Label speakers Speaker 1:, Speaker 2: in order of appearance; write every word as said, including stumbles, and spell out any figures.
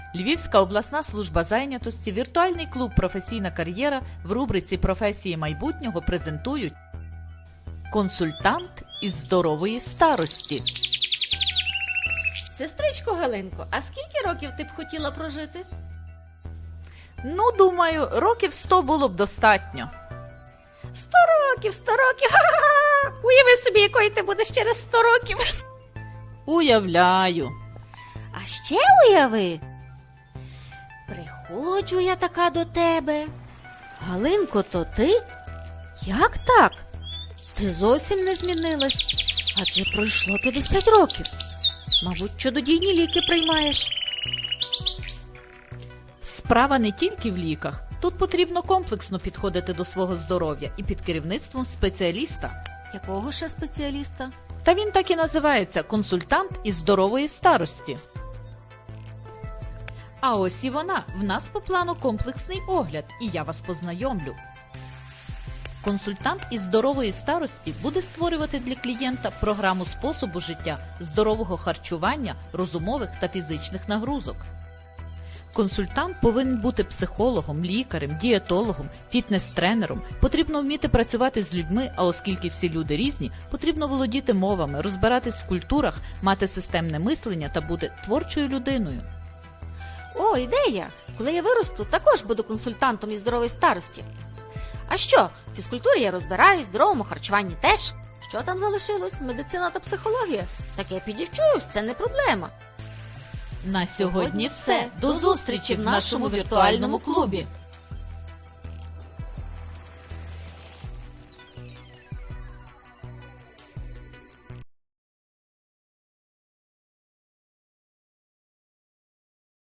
Speaker 1: Львівська обласна служба зайнятості, віртуальний клуб «Професійна кар'єра» в рубриці «Професії майбутнього» презентують консультант із здорової старості.
Speaker 2: Сестричко Галинко, а скільки років ти б хотіла прожити?
Speaker 1: Ну, думаю, років сто було б достатньо.
Speaker 2: Сто років, сто років! Ха-ха-ха! Уяви собі, якою ти будеш через сто років!
Speaker 1: Уявляю.
Speaker 2: А ще уяви, приходжу я така до тебе. Галинко, то ти? Як так? Ти зовсім не змінилась, адже пройшло п'ятдесят років. Мабуть, чудодійні ліки приймаєш.
Speaker 1: Справа не тільки в ліках. Тут потрібно комплексно підходити до свого здоров'я і під керівництвом спеціаліста.
Speaker 2: Якого ще спеціаліста?
Speaker 1: Та він так і називається – консультант із здорової старості. А ось і вона. В нас по плану комплексний огляд, і я вас познайомлю. Консультант із здорової старості буде створювати для клієнта програму способу життя, здорового харчування, розумових та фізичних нагрузок. Консультант повинен бути психологом, лікарем, дієтологом, фітнес-тренером. Потрібно вміти працювати з людьми, а оскільки всі люди різні, потрібно володіти мовами, розбиратись в культурах, мати системне мислення та бути творчою людиною.
Speaker 2: О, ідея! Коли я виросту, також буду консультантом із здорової старості. А що? В фізкультурі я розбираюсь, в здоровому харчуванні теж. Що там залишилось? Медицина та психологія? Так я підівчуюсь, це не проблема.
Speaker 1: На сьогодні все. До зустрічі в нашому віртуальному клубі!